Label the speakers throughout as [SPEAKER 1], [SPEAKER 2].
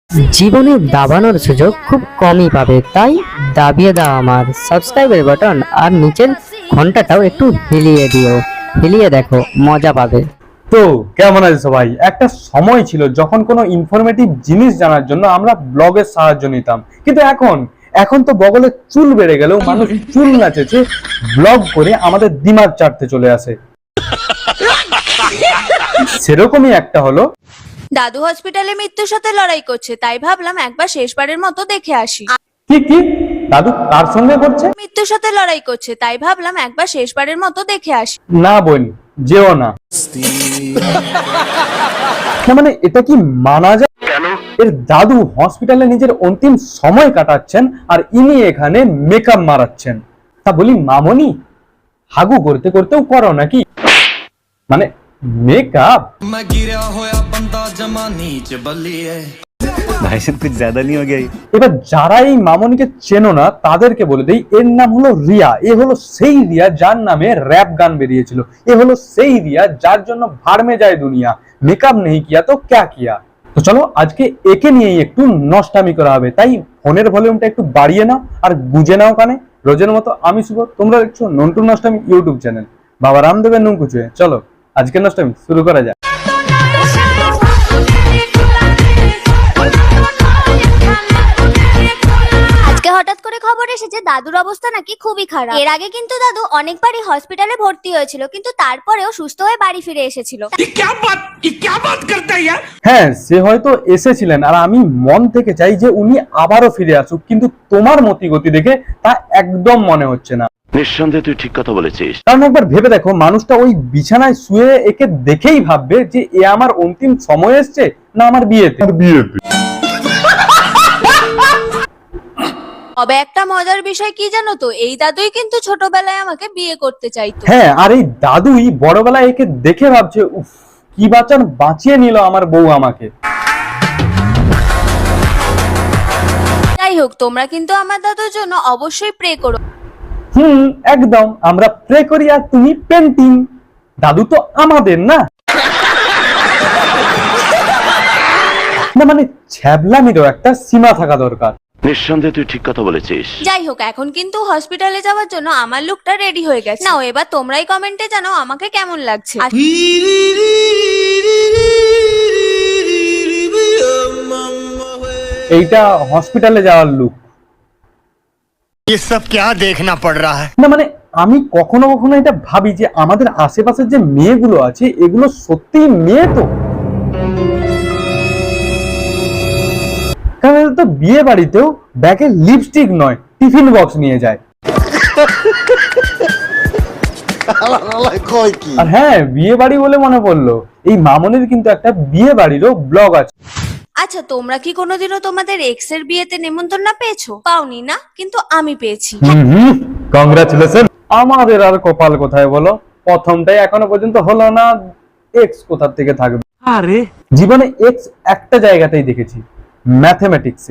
[SPEAKER 1] জীবনে দাবানোর সুযোগ খুব কমই পাবে, তাই দাবিয়ে দাও আমার সাবস্ক্রাইবের বাটন আর নিচের ঘন্টাটাও একটু হিলিয়ে দিও। হিলিয়ে দেখো, মজা পাবে।
[SPEAKER 2] তো কেমন আছে সবাই? একটা সময় ছিল যখন কোনো ইনফরমেটিভ জিনিস জানার জন্য আমরা ব্লগের সাহায্য নিতাম, কিন্তু এখন তো বগলে চুল বেড়ে গেলেও মানুষ চুল নাচেছে ব্লগ করে আমাদের দিমাগ চাটতে চলে আসে। সেরকমই একটা হলো,
[SPEAKER 3] দাদু হসপিটালে মৃত্যুর সাথে লড়াই করছে, তাই ভাবলাম একবার শেষবারের মতো দেখে আসি।
[SPEAKER 2] কি দাদু কার সঙ্গে করছে?
[SPEAKER 3] মৃত্যুর সাথে লড়াই করছে, তাই ভাবলাম একবার শেষবারের মতো দেখে আসি।
[SPEAKER 2] না বোন, যেও না। না মানে এটা কি মানা যায়? এর দাদু হসপিটালে নিজের অন্তিম সময় কাটাচ্ছেন আর ইনি এখানে মেকআপ মারাচ্ছেন। তা বলি মামনি, হাগু করতে করতেও করো নাকি? মানে মেকআপ
[SPEAKER 4] भाई साहब कुछ ज्यादा नहीं हो गया?
[SPEAKER 2] এবার যারা এই মামনিকে চেনো না তাদেরকে বলে দেই, এর নাম হলো রিয়া। এ হলো সেই রিয়া যার নামে র‍্যাপ গান বেরিয়েছিল। এ হলো সেই রিয়া যার জন্য ভাড় মে যায় দুনিয়া, মেকআপ নেই কিয়া তো ক্যা কিয়া। তো চলো আজকে একে নিয়েই একটু নষ্টামি করা হবে, তাই ফোনের ভলিউমটা একটু বাড়িয়ে নাও আর গুজে নাও কানে। রোজের মতো আমি শুভ, তোমরা দেখছো নন্টু নষ্টামি ইউটিউব চ্যানেল। বাবা রামদেবের নুন কুচুয়ে। চলো আজকে নষ্টামি শুরু করা যাক।
[SPEAKER 5] আজকে হঠাৎ করে খবর এসেছে দাদুর অবস্থা নাকি খুবই খারাপ। এর আগে কিন্তু দাদু অনেকবারই হসপিটালে ভর্তি হয়েছিল, কিন্তু তারপরেও সুস্থ হয়ে বাড়ি ফিরে এসেছিল।
[SPEAKER 2] হ্যাঁ, সে হয়তো এসেছিলেন আর আমি মন থেকে চাই যে উনি আবারও ফিরে আসুক, কিন্তু তোমার মতিগতি দেখে তা একদম মনে হচ্ছে না।
[SPEAKER 6] নিঃসন্দেহে তুই ঠিক কথা বলেছিস।
[SPEAKER 2] কারণ একবার ভেবে দেখো, মানুষটা ওই বিছানায় শুয়ে একে দেখেই ভাববে যে এ আমার অন্তিম সময় এসছে না আমার বিয়েতে।
[SPEAKER 3] তবে একটা মজার বিষয় কি জানো তো, এই দাদুই কিন্তু ছোটবেলায় আমাকে বিয়ে করতে চাইতো।
[SPEAKER 2] হ্যাঁ, আর এই দাদুই বড়বেলায় একে দেখে ভাবছে, উফ কি বাঁচান বাঁচিয়ে নিল আমার বউ আমাকে।
[SPEAKER 3] যাই হোক, তোমরা কিন্তু আমার দাদুর জন্য অবশ্যই প্রে করো।
[SPEAKER 2] একদম, আমরা প্রে করি আর তুমি পেন্টিং। দাদু তো আমাদের না। না মানে ছ্যাবলামিরও একটা সীমা থাকা দরকার।
[SPEAKER 6] নিঃসন্দেহে তুই ঠিক কথা বলেছিস।
[SPEAKER 3] যাই হোক, এখন কিন্তু হসপিটালে যাওয়ার জন্য আমার লুকটা রেডি হয়ে গেছে। নাও এবার তোমরাই কমেন্টে জানাও আমাকে কেমন লাগছে।
[SPEAKER 2] এইটা হসপিটালে যাওয়ার লুক।
[SPEAKER 4] ये सब क्या देखना पड़ रहा है?
[SPEAKER 2] না মানে আমি কখনো কখনো এটা ভাবি যে আমাদের আশেপাশে যে মেয়েগুলো আছে এগুলো সত্যি মেয়ে তো, কারণ এরা তো বিয়ে বাড়িতেও ব্যাগে লিপস্টিক নয় টিফিন বক্স নিয়ে যায়। আর হ্যাঁ, বিয়ে বাড়ি বলে মনে পড়লো, এই মামনির কিন্তু একটা বিয়ে বাড়িরও ব্লগ আছে।
[SPEAKER 3] আচ্ছা, তোমরা কি কোনোদিনও তোমাদের এক্স এর বিয়েতে নেমন্তন্ন পেয়েছো? পাওনি না, কিন্তু আমি পেয়েছি।
[SPEAKER 2] কংগ্রাচুলেশন। আমাদের আর কপাল কোথায় বলো, প্রথমটাই এখনো পর্যন্ত হলো না, এক্স কোথা থেকে থাকবে। আরে জীবনে এক্স একটা জায়গাতেই দেখেছি, ম্যাথমেটিক্সে।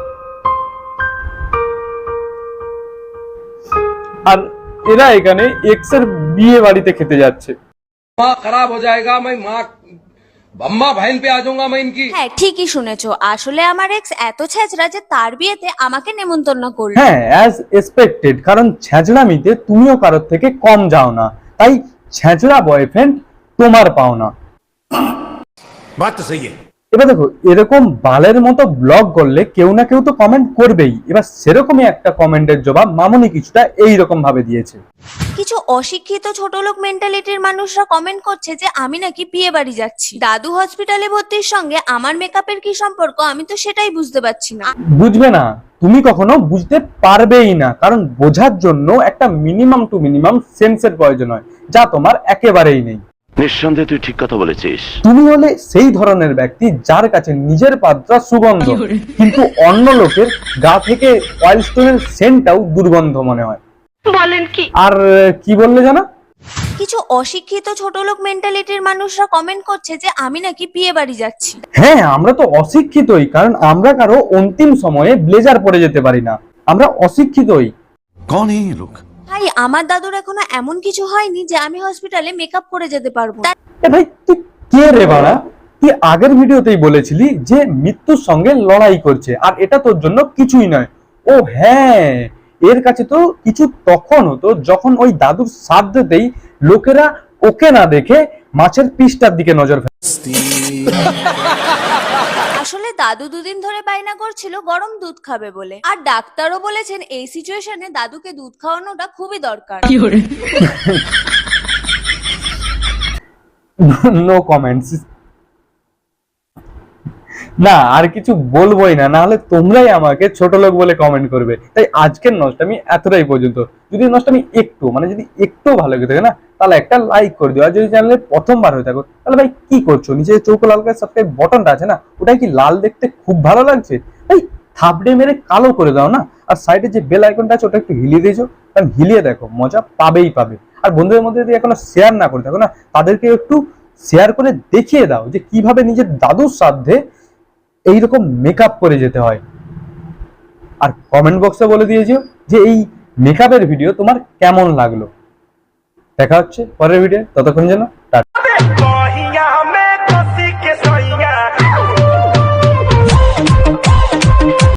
[SPEAKER 2] আর এরা এখানে এক্স এর বিয়ে বাড়িতে খেতে যাচ্ছে।
[SPEAKER 7] माँ खराब हो जाएगा, मैं माँ अम्मा बहन पे आ जाऊंगा मैं इनकी।
[SPEAKER 3] হ্যাঁ, ঠিকই শুনেছো, আসলে আমার এক্স এত ছেঁচড়া যে তার বিয়েতে আমাকে নেমন্তন্ন করলো।
[SPEAKER 2] হ্যাঁ, অ্যাজ এক্সপেক্টেড, কারণ ছ্যাঁচড়ামিতে তুমিও কারোর থেকে কম যাও না, তাই ছ্যাঁচড়া বয়ফ্রেন্ড তোমার পাও না।
[SPEAKER 4] बात तो सही है।
[SPEAKER 2] এবার দেখো, এরকম বালের মতো ব্লগ করলে কেউ না কেউ তো কমেন্ট করবেই। এবার সেরকমই একটা কমেন্টের জবাব মামনি কিছুটা এইরকম ভাবে দিয়েছে।
[SPEAKER 3] কিছু অশিক্ষিত ছোটলোক মেন্টালিটির মানুষরা কমেন্ট করছে যে আমি নাকি বিয়ে বাড়ি যাচ্ছি। দাদু হসপিটালে ভর্তির সঙ্গে আমার মেকআপের কি সম্পর্ক, আমি তো সেটাই বুঝতে পারছি না।
[SPEAKER 2] বুঝবে না, তুমি কখনো বুঝতে পারবেই না, কারণ বোঝার জন্য একটা মিনিমাম টু মিনিমাম সেন্সের প্রয়োজন হয়, যা তোমার একেবারেই নেই।
[SPEAKER 6] নিঃসন্দেহে তুই ঠিক কথা বলেছিস।
[SPEAKER 2] তুমি হলে সেই ধরনের ব্যক্তি যার কাছে নিজের পাত্রা সুগন্ধ, কিন্তু অন্য লোকের গা থেকে ওয়াইল্ড স্টোনের সেন্টটাও দুর্গন্ধ মনে হয়।
[SPEAKER 3] বলেন কি?
[SPEAKER 2] আর কি বললে জানা?
[SPEAKER 3] কিছু অশিক্ষিত ছোটলোক মেন্টালিটির মানুষরা কমেন্ট করছে যে আমি নাকি বিয়ে বাড়ি যাচ্ছি।
[SPEAKER 2] হ্যাঁ, আমরা তো অশিক্ষিতই, কারণ আমরা কারো অন্তিম সময়ে ব্লেজার পরে যেতে পারি না, আমরা অশিক্ষিতই।
[SPEAKER 4] कौन है ये लोग?
[SPEAKER 3] ভাই, আমার দাদুর এখনো এমন কিছু হয়নি যে আমি হসপিটালে মেকআপ করে যেতে পারবো।
[SPEAKER 2] এ ভাই, তুই কে রে বাড়া? তুই আগের ভিডিওতেই বলেছিলি যে মৃত্যুর সঙ্গে লড়াই করছে আর এটা তোর জন্য কিছুই নয়। ও হ্যাঁ, এর কাছে তো কিছু তখন হতো যখন ওই দাদুর শ্রাদ্ধতেই লোকেরা ওকে না দেখে মাছের পিসটার দিকে নজর ফেলে।
[SPEAKER 3] আসলে দাদু দুদিন ধরে বায়না করছিল গরম দুধ খাবে বলে, আর ডাক্তারও বলেছেন এই সিচুয়েশনে দাদুকে দুধ খাওয়ানোটা খুবই দরকার।
[SPEAKER 2] No comments. না আর কিছু বলবোই না, নাহলে তোমরাই আমাকে ছোট লোক বলে কমেন্ট করবে। তাই আজকের নষ্টামি এতটাই পর্যন্ত। যদি নষ্টামি একটু যদি একটু ভালো লেগে থাকে না, তাহলে একটা লাইক করে দিও। আর যদি চ্যানেলে প্রথমবার হয়ে থাকো তাহলে ভাই কি করছো, নিচে চৌকো লাল করে সাবস্ক্রাইব বটনটা আছে না, ওটাই কি লাল দেখতে খুব ভালো লাগছে? ভাই থাপড়ে মেরে কালো করে দাও না। আর সাইডে যে বেল আইকনটা আছে ওটা একটু হিলিয়ে দিয়েছো, কারণ হিলিয়ে দেখো মজা পাবেই পাবে। আর বন্ধুদের মধ্যে যদি এখনো শেয়ার না করে থাকো না, তাদেরকে একটু শেয়ার করে দেখিয়ে দাও যে কিভাবে নিজের দাদুর সাধ্যে এইরকম মেকআপ করে যেতে হয়। আর কমেন্ট বক্সে বলে দিয়েছো যে এই মেকআপের ভিডিও তোমার কেমন লাগলো। দেখা হচ্ছে পরের ভিডিও, ততক্ষণ যেন টাটা।